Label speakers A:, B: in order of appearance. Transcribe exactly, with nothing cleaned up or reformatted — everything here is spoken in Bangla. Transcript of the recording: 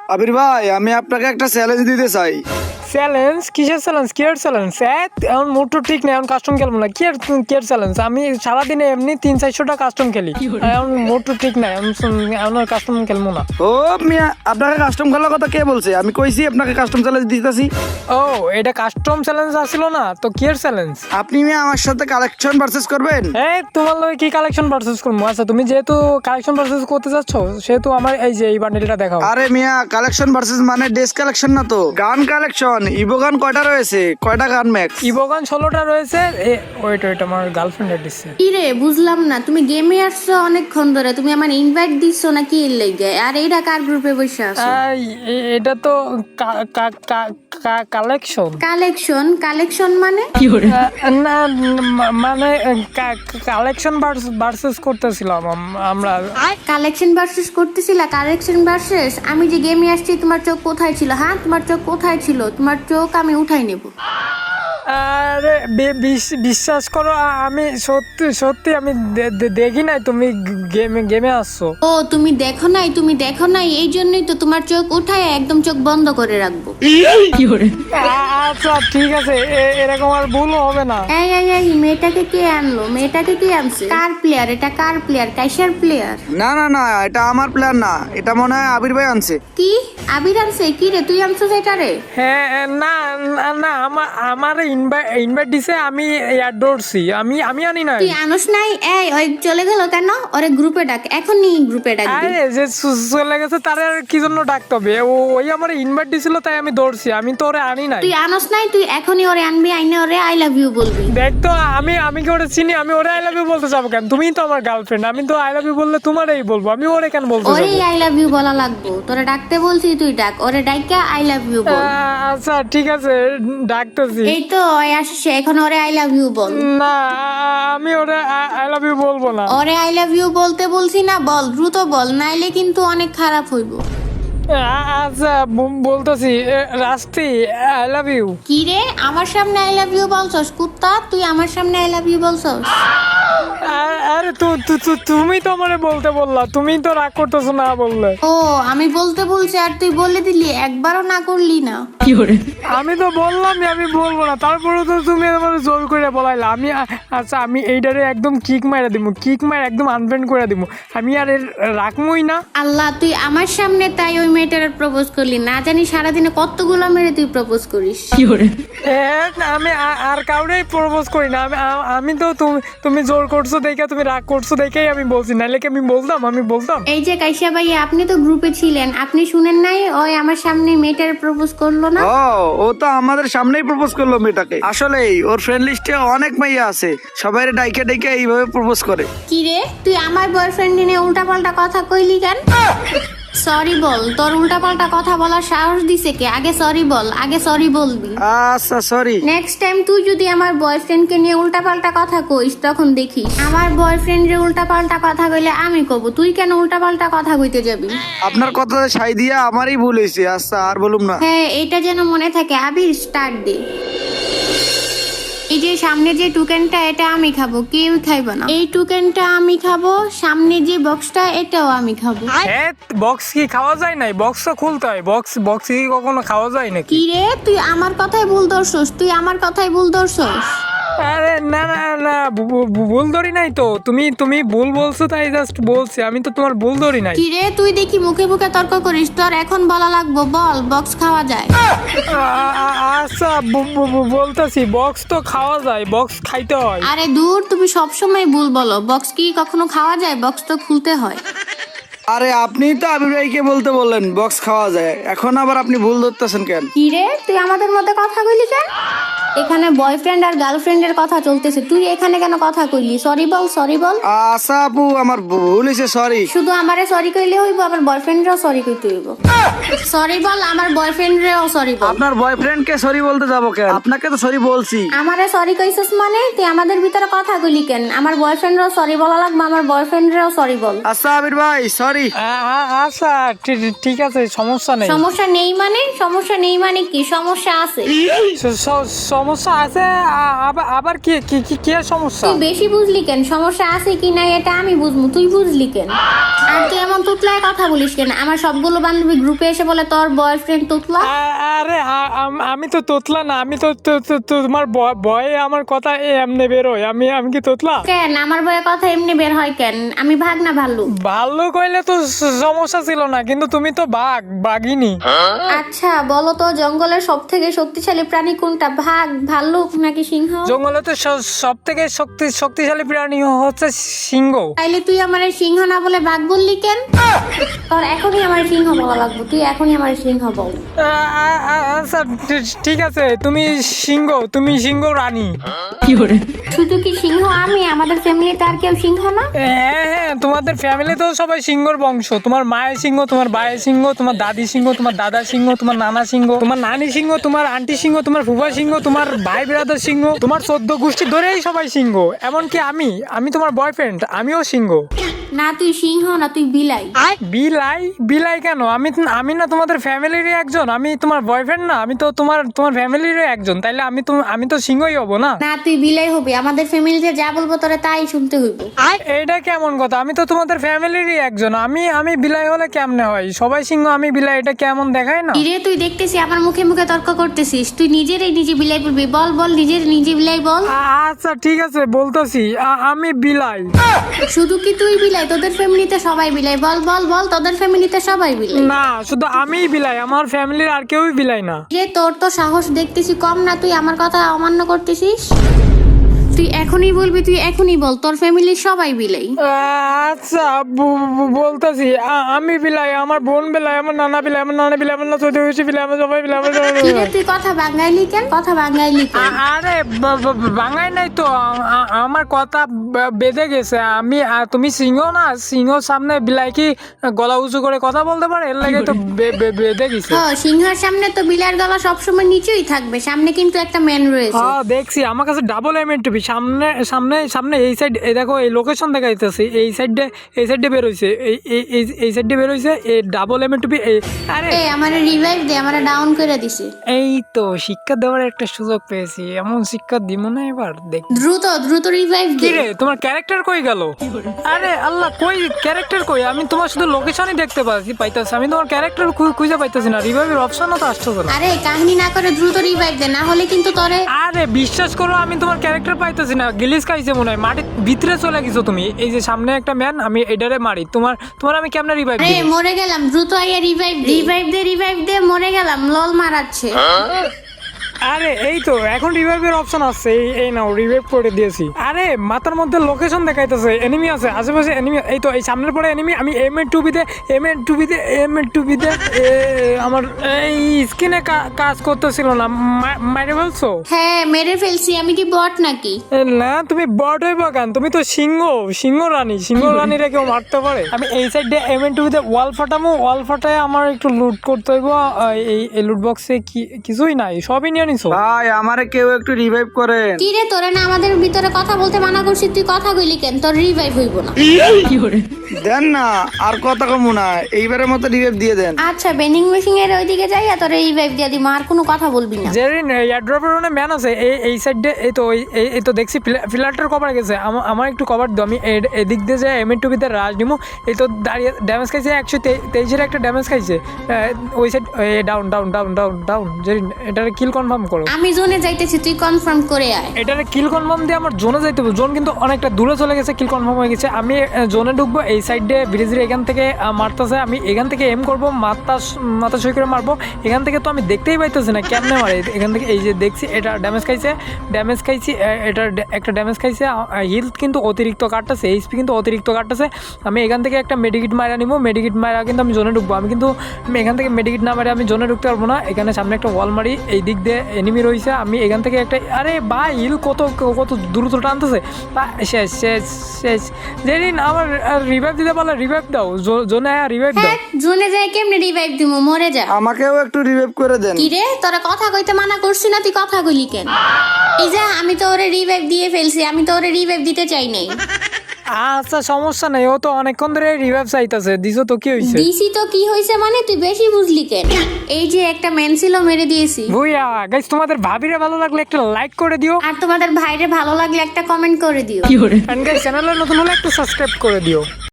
A: আবির ভাই, আমি আপনাকে একটা চ্যালেঞ্জ দিতে চাই।
B: চ্যালেঞ্জ? কিসের চ্যালেঞ্জ? Care challenge? এখন মুড তো ঠিক নেই, এখন কাস্টম খেলবো না। Care care challenge? আমি সারাদিনে এমনি তিন চারশোটা কাস্টম খেলি, এখন মুড তো ঠিক নাই, এখন আর কাস্টম খেলবো না।
A: ও মিয়া, আপনাকে কাস্টম খেলার কথা কে বলছে? আমি কইছি আপনাকে কাস্টম চ্যালেঞ্জ দিতেছি।
B: ও, এটা কাস্টম চ্যালেঞ্জ আসছিল না তো, কেয়ার চ্যালেঞ্জ?
A: আপনি মিয়া আমার সাথে কালেকশন ভার্সেস করবেন।
B: এই তোমার লগে কি কালেকশন ভার্সেস করবো? আচ্ছা, তুমি যেহেতু কালেকশন ভার্সেস করতে যাচ্ছ, সেহেতু আমার এই যে এই বান্ডেলটা দেখাও।
A: আরে মিয়া, কালেকশন ভার্সেস মানে ড্রেস কালেকশন না তো, গান কালেকশন। ইভো গান কয়টা রয়েছে? কয়টা গান ম্যাক্স?
B: ইভোগান ষোলোটা রয়েছে। ওয়েট ওয়েট আমার গার্লফ্রেন্ডের দিচ্ছে।
C: কি রে, বুঝলাম না। তুমি গেমে আসছো অনেকক্ষণ ধরে, তুমি আমার ইনভাইট দিচ্ছ না কি এর লাগি? আর এইটা কার গ্রুপে বসে আছো?
B: আই, এ- এটা তো কালেকশন।
C: কালেকশন? কালেকশন মানে?
B: না, মা- মানে কালেকশন ভার্সেস করতেছিলাম আম- আমরা।
C: কালেকশন ভার্সেস করতেছিলা? Collection versus? আমি যে গেমে আসছি, তোমার চোখ কোথায় ছিল? হ্যাঁ, তোমার চোখ কোথায় ছিল? তোমার চোখ আমি উঠাই নেব।
B: আরে বি- বিশ- বিশ্বাস করো, আ- আমি সত্যি সত্যি আমি দে- দে- দেখি নাই তুমি গেমে গেমে আসছো।
C: ও, তুমি দেখো নাই? তুমি দেখো নাই, এই জন্যই তো তোমার চোখ উঠায় একদম চোখ বন্ধ করে রাখবো।
B: আ- আচ্ছা ঠিক আছে, এ- এরকম আর ভুল হবে না।
C: এই এই এই মেয়েটাকে কে আনলো? মেয়েটাকে কে আনছে? কার প্লেয়ার এটা? কার প্লেয়ার? কাইসার প্লেয়ার?
A: না না না, এটা আমার প্ল্যান না, এটা মনে হয় আবির ভাই আনছে।
C: কি আবির আনছে? কি রে, তুই আনছো সেটা রে?
B: হ্যাঁ, না না, না, আমার আমার ইনভাইট ইনভাইট দিছে, আমি এয়ার ধরছি, আমি আমি আনি নাই।
C: তুই আনস নাই? এই ওই চলে গেল কেন? ওরে গ্রুপে ডাক, এখনই গ্রুপে ডাক দে।
B: আরে যে সু- চলে গেছে তারে আর কি জন্য ডাকতে হবে? ও ওই আমার ইনভাইট দিছিল তাই আমি ধরছি, আমি তো ওরে আনি নাই।
C: তুই আনস নাই? তুই এখনই ওরে আনবি, আইনে ওরে আই লাভ ইউ বলবি।
B: দেখ তো, আমি আমি কি ওরে চিনি? আমি ওরে আই লাভ ইউ বলতে যাবো কেন? তুমিই তো আমার গার্লফ্রেন্ড, আমি তো আই লাভ ইউ বললে তোমারই বলবো, আমি ওরে কেন বলতে
C: ওরে
B: যাবো?
C: আই লাভ ইউ বলা লাগবো? তোরে ডাকতে বলছি, তুই ডাক ওরে, ডাইকা আই লাভ ইউ বল।
B: আ- আচ্ছা ঠিক আছে, ডাকতেছি।
C: এই তো ওই আসছে, এখন ওরে আই লাভ ইউ বল।
B: না, আ- আমি ওরে আই লাভ ইউ বলবো না।
C: ওরে আই লাভ ইউ বলতে বলছি না? বল, দ্রুত বল, নাইলে কিন্তু অনেক খারাপ হইব।
B: আ- আচ্ছা ব- বলতেছি, এ, রাস্তি, আই লাভ ইউ।
C: কি রে, আমার সামনে আই লাভ ইউ বলছস? কুত্তা, তুই আমার সামনে আই লাভ ইউ বলছস?
B: আরে তু- তু- তু- তুমি তো আমারে বলতে বললা, তুমি তো রাগ করতেছো না বললে।
C: ও, আমি বলতে বলছি আর তুই বলে দিলি, একবারও না করলি না।
B: আমি তো বললামই আমি বলবো না, তারপরে তো তুমি আমার জোর করে বলাইলা। আমি আ- আচ্ছা, আমি এইটারে একদম কিক মাইরা দিব, কিক মাইরা একদম আনফ্রেন্ড করে দিব, আমি আর এর রাখমই না।
C: আল্লাহ, তুই আমার সামনে তাই ওই মেয়েটার প্রপোজ করলি? না জানি সারাদিনে কতগুলো মেরে তুই প্রপোজ করিস।
B: এ, আমি আ- আর কাউরেই প্রপোজ করি না। আমি আ- আমি তো তুমি তুমি জোর করছো দেখে, তুমি রাগ করছো দেখেই আমি বলছি, নাইলে কি আমি বলতাম? আমি বলতাম?
C: এই যে কাইসা ভাইয়া, আপনি তো গ্রুপে ছিলেন, আপনি শুনেন নাই ওই আমার সামনে মেয়েটার প্রপোজ করলো না?
A: ও ও তো আমাদের সামনেই প্রপোজ করলো মেয়েটাকে। আসলেই ওর ফ্রেন্ড লিস্টে অনেক মেয়ে আছে, সবাই ডাইকে ডাইকে এইভাবে প্রপোজ করে।
C: কি রে, তুই আমার বয়ফ্রেন্ড নিয়ে উল্টাপাল্টা কথা কইলি কেন? সরি বল, তোর উল্টাপাল্টা কথা বলার সাহস দিছে কে? আগে সরি বল, আগে সরি বলবি।
A: আচ্ছা সরি।
C: নেক্সট টাইম তুই যদি আমার বয়ফ্রেন্ডকে নিয়ে উল্টাপাল্টা কথা কইস, তখন দেখিস আমার বয়ফ্রেন্ডের উল্টাপাল্টা কথা কইলে আমি কব, তুই কেন উল্টাপাল্টা কথা কইতে যাবি?
A: আপনার কথা সাই দিয়া আমারই ভুল হয়েছে। আচ্ছা আর বলুম না।
C: হ্যাঁ, এটা যেন মনে থাকে। আবির, স্টার্ট দে। এই যে সামনে যে টুকেনটা, এটা আমি খাবো, কেউ খাইবে না। এই টুকেনটা আমি খাবো, সামনে যে বক্সটা, এটাও আমি খাবো।
B: হ্যাঁ, বক্স কি খাওয়া যায় নাই? বক্স তো খুলতে হয়। বক্স বক্স কি কখনো খাওয়া যায় নাকি?
C: কি রে, তুই আমার কথাই ভুল ধরছস, তুই আমার কথাই ভুল ধরছস।
B: আরে না না না, ভু- ভু- ভুল ধরি নাই তো। তুমি তুমি ভুল বলছো তাই জাস্ট বলছি, আমি তো তোমার ভুল ধরি নাই।
C: কি রে, তুই দেখি মুখে মুখে তর্ক করিস, তোর এখন বলা লাগবো, বল বক্স খাওয়া যায়?
B: আ- আ- আচ্ছা বু- বু- বু- বলতেছি, বক্স তো খাওয়া যায়, বক্স খাইতে হয়।
C: আরে দূর, তুমি সবসময় ভুল বলো। বক্স কি কখনো খাওয়া যায়? বক্স তো খুলতে হয়।
A: আরে আপনি তো আবির ভাইকে বলতে বললেন বক্স খাওয়া যায়, এখন আবার আপনি ভুল ধরতেছেন কেন?
C: কি রে, তুই আমাদের মধ্যে কথা কইলি কেন? এখানে বয়ফ্রেন্ড আর গার্লফ্রেন্ডের কথা চলতেছে, তুই এখানে কেন কথা কইলি? সরি বল, সরি বল।
A: আচ্ছা আপু, আমার ভুল হয়েছে, সরি।
C: শুধু আমারে সরি কইলে হইব? আমার বয়ফ্রেন্ডরেও সরি কইতে হইব। সরি বল, আমার বয়ফ্রেন্ডরেও সরি বল।
A: আপনার বয়ফ্রেন্ডকে সরি বলতে যাবো কেন? আপনাকে তো সরি বলছি।
C: আমারে সরি কইছস মানে? তুই আমাদের ভিতরে কথা কইলি কেন? আমার বয়ফ্রেন্ডরেও সরি বলা লাগবে, আমার বয়ফ্রেন্ডরেও সরি বল।
A: আচ্ছা আবির ভাই, সরি।
B: আ- আ- আচ্ছা ঠি- ঠিক আছে, সমস্যা নেই।
C: সমস্যা নেই মানে? সমস্যা নেই মানে কি? সমস্যা আছে।
B: স- স- সমস্যা আছে আ- আবার আবার কি কি কি কি আর সমস্যা?
C: তুই বেশি বুঝলি কেন? সমস্যা আছে কি নাই এটা আমি বুঝবো, তুই বুঝলি কেন? আর তুই এমন তুতলায় কথা বলিস কেন? আমার সবগুলো বান্ধবী গ্রুপে এসে বলে তোর বয়ফ্রেন্ড তুতলা।
B: আ- আরে আ- আম- আমি তো তোতলা না, আমি তো তো- তো- তো- তোমার ব- ভয়ে আমার কথা এ এমনি বেরোয়। আমি আমি কি তোতলা?
C: কেন আমার বইয়ের কথা এমনি বের হয় কেন? আমি ভাগ না ভাল্লু?
B: ভালো কইলে তো স- সমস্যা ছিল না, কিন্তু তুমি তো বাঘ, বাঘিনী।
C: আচ্ছা বলো তো, জঙ্গলের সব থেকে শক্তিশালী প্রাণী কোনটা? ভাগ, ভাল্লুক নাকি সিংহ?
B: জঙ্গলেতে সব থেকে শক্তি শক্তিশালী প্রাণী হচ্ছে সিংহ।
C: তাইলে তুই আমার সিংহ না বলে বাঘ বললি কেন? তোর এখনই আমার সিংহ বলা লাগবে, তুই এখনই আমার সিংহ বল।
B: আ- আ- আ- আচ্ছা ঠি- ঠিক আছে, তুমি সিংহ, তুমি সিংহ রানী।
C: শুধু কি সিংহ আমি? আমাদের ফ্যামিলিতে আর কেউ সিংহ না?
B: হ্যাঁ হ্যাঁ, তোমাদের ফ্যামিলিতেও সবাই সিংহর বংশ। তোমার মায়ের সিংহ, তোমার ভাইয়ের সিংহ, তোমার দাদি সিংহ, তোমার দাদা সিংহ, তোমার নানা সিংহ, তোমার নানি সিংহ, তোমার আন্টি সিংহ, তোমার ফুফা সিংহ, তোমার ভাই ব্রাদার সিংহ, তোমার চোদ্দ গোষ্ঠী ধরেই সবাই সিংহ। এমনকি আমি আমি তোমার বয়ফ্রেন্ড, আমিও সিংহ।
C: না তুই সিংহ না, তুই বিলাই।
B: বিলাই? বিলাই কেন? আমি আমি না তোমাদের ফ্যামিলিরই একজন, আমি তোমার বয়ফ্রেন্ড না, আমি তো তোমার তোমার ফ্যামিলিরই একজন, তাইলে আমি তো আমি তো সিংহই হব না?
C: না তুই বিলাই হবি, আমাদের ফ্যামিলিতে যা বলবো তোরে তাই শুনতে হইব।
B: এইটা কেমন কথা? আমি তো তোমাদের ফ্যামিলিরই একজন, আমি আমি বিলাই হলে কেমনে হয়? সবাই সিংহ আমি বিলাই, এটা কেমন দেখায় না?
C: ইরে তুই দেখতেছি আমার মুখে মুখে তর্ক করতেছিস, তুই নিজেরই নিজে বিলাই বলবি। বল বল নিজের নিজে বিলাই বল।
B: আ- আচ্ছা ঠিক আছে বলতেছি, আমি বিলাই।
C: শুধু কি তুই বিলাই? তোদের ফ্যামিলিতে সবাই বিলাই। বল বল বল তোদের ফ্যামিলিতে সবাই বিলাই।
B: না, শুধু আমিই বিলাই, আমার ফ্যামিলির আর কেউই বিলাই না।
C: যে তোর তো সাহস দেখতেছি কম না, তুই আমার কথা অমান্য করতেছিস। তুই এখনই বলবি, তুই এখনই বল তোর ফ্যামিলির সবাই বিলাই।
B: আচ্ছা বলতেছি, আমি বিলাই, আমার বোন বিলাই, আমার নানা বিলাই, আমার নানা বিলাই, আমার চৌধুরী বেশি বিলাই, আমার সবাই বিলাই, আমার সবাই
C: কি রে
B: বিলাই।
C: তুই কথা বাঙাইলি কেন? কথা বাঙাইলি কেন?
B: আ- আরে ব- ব- বাঙাই নাই তো, আ- আ- আমার কথা ব- বেঁধে গেছে। আমি আ, তুমি সিংহ না, সিংহর সামনে বিলাই কি গলা উঁচু করে কথা বলতে পারে? এর লাগে তো বে- বে- বেঁধে গেছে।
C: ও সিংহের সামনে তো বিলার গলা সবসময় নিচেই থাকবে, সামনে কিন্তু একটা ম্যান রয়েছে।
B: হ্যাঁ দেখছি, আমার কাছে ডাবল এম এর টিভি, সামনে সামনে সামনে এই সাইড, এই দেখো এই লোকেশন দেখাইতেছে, এই সাইডে এই সাইডে বের হইছে, এই এই- এই এই সাইডে বের হইছে, এই ডাবল এম এর টিভি। এই আরে
C: এ আমারে রিভাইভ দে, আমারে ডাউন করে দিছে।
B: এই তো শিক্ষা দেওয়ার একটা সুযোগ পেয়েছি, এমন শিক্ষা দিব না এবার দেখ।
C: দ্রুত দ্রুত রিভাইভ
B: কি
C: দে।
B: রে, তোমার ক্যারেক্টার কই গেল? আরে আল্লাহ, কই ক্যারেক্টার কই? আমি তোমার শুধু লোকেশনই দেখতে পাচ্ছি, পাইতাছি, আমি তোমার ক্যারেক্টার খুঁজে পাইতাছি না, রিভাইভের অপশনও তো আসতেছে না।
C: আরে কাহিনী না করে দ্রুত রিভাইভ দে, না হলে কিন্তু তোরে।
B: আরে বিশ্বাস করো, আমি তোমার ক্যারেক্টার পাইতেছি না, গিলিস খাইছে মনে হয়, মাটির ভিতরে চলে গেছো তুমি। এই যে সামনে একটা ম্যান, আমি এডারে মারি, তোমার তোমার আমি কেমনে রিভাইভ
C: আরে
B: দিই?
C: মরে গেলাম, দ্রুত আইয়া রিভাইভ দে। রিভাইভ দে রিভাইভ দে, মরে গেলাম, লল মারাচ্ছে।
B: আরে এই তো এখন রিভাইভের অপশন আছে, এই এই নাও রিভাইভ করে দিয়েছি। আরে মাথার মধ্যে লোকেশন দেখাইতেছে, এনিমি আছে আশেপাশে, এনিমি এই তো এই সামনের পরে এনিমি। আমি এম এর টুবিতে এম এর টুবিতে এম এর টুবিতে আমার এই স্কিনে কাজ করতেছিল না, মা- মাইরে বলছো?
C: হ্যাঁ মেরে ফেলছি, আমি কি বট নাকি?
B: এ, না তুমি বট হইব কেন? তুমি তো সিংহ, সিংহ রানী, সিংহ রানীরা কেউ মারতে পারে? আমি এই সাইডে এম এন টুবিতে ওয়াল ফাটামো, ওয়াল ফাটায় আমার একটু লুট করতে হইব। এই এই লুট বক্সে কি কিছুই নাই, সবই নিয়ে নিছো।
A: ভাই আমারে কেউ একটু রিভাইভ করেন।
C: কি রে তোরে না আমাদের ভিতরে কথা বলতে মানা করছিস, তুই কথা কইলি কেন? তোর রিভাইভ হইব না।
A: দেন না, আর কথা কমু না, এইবারের মতো রিভাইভ দিয়ে দেন।
C: আচ্ছা বেনিং মেশিং এর ওইদিকে যাই, আর তোরে রিভাইভ দিয়ে দিমু, আর কোনো কথা বলবি না।
B: জেরিন এয়ারড্রপের ওখানে ম্যান আছে, এই এই সাইডে, এই তো ওই এই- এই তো দেখছি ফিলারটার কভার গেছে, আমা- আমার একটু কভার দিও, আমি এ- এদিক দিয়ে যে এম এন টুবিতে রাজ নিমু। এই তো দাঁড়িয়ে ড্যামেজ খাইছে, একশো তেইশের একটা ড্যামেজ খাইছে। আহ, ওই side down down down down down. Jerin এটারে কিল কনফার্ম করো,
C: আমি জোনে যাইতেছি, তুই কনফার্ম করে আয়।
B: এটারে কিল কনফার্ম দিয়ে আমার জোনে যাইতে হবে। জোন কিন্তু অনেকটা দূরে চলে গেছে, কিল কনফার্ম হয়ে গেছে। আমি জোনে ঢুকবো, এই সাইডে ব্রিজের এখান থেকে আহ, মারতেছে, আমি এখান থেকে এম করবো, মাথা মাথা সই করে মারবো। এখান থেকে তো আমি দেখতেই পাইতেছি না কেমনে মারে, এখান থেকে এই যে দেখছি এটা ড্যামেজ খাইছে, ড্যামেজ খাইছি, এটা একটা ড্যামেজ খাইছে। হিল কিন্তু অতিরিক্ত কাটতেছে, এইচপি কিন্তু অতিরিক্ত কাটতেছে। আমি এখান থেকে একটা মেডিকিট মারা নিবো, মেডিকিট মারা কিন্তু আমি জোনে ঢুকবো। আমি কিন্তু আমি এখান থেকে মেডিকিট না মারে আমি জোনে ঢুকতে পারবো না। এখানে সামনে একটা ওয়াল মারি, এই দিক দিয়ে এনিমি রয়েছে, আমি এখান থেকে একটা, আরে ভাই হিল কত কত দ্রুত টানতেছে। বা- শেষ শেষ শেষ। যেদিন আমার রিভাইভ দিতে পারলে রিভাইভ দাও, জো- জোনে রিভাইভ দাও।
C: হ্যাঁ জোনে যাই কেমনে রিভাইভ দিমু? মরে যা।
A: আমাকেও একটু রিভাইভ করে দেন।
C: কি রে তোরা কথা কইতে মানা করছি না, তুই কথা কইলি কেন? এই যা, আমি তো ওরে রিভাইভ দিয়ে ফেলছি, আমি তো ওরে রিভাইভ দিতে চাই নাই।
B: আচ্ছা সমস্যা নাই, ও তো অনেকক্ষণ ধরে রিভাইভ চাইতেছে, দিছো তো কি হয়েছে?
C: দিছি তো কি হয়েছে মানে তুই বেশি বুঝলি কেন? এই যে একটা ম্যান ছিল মেরে দিয়েছি।
B: ভুইয়া গাইস, তোমাদের ভাবিরে ভালো লাগলে একটা লাইক করে দিও,
C: আর তোমাদের ভাইরে ভালো লাগলে একটা কমেন্ট করে দিও।
B: এন্ড গাইস চ্যানেলে নতুন হলে একটু সাবস্ক্রাইব করে দিও।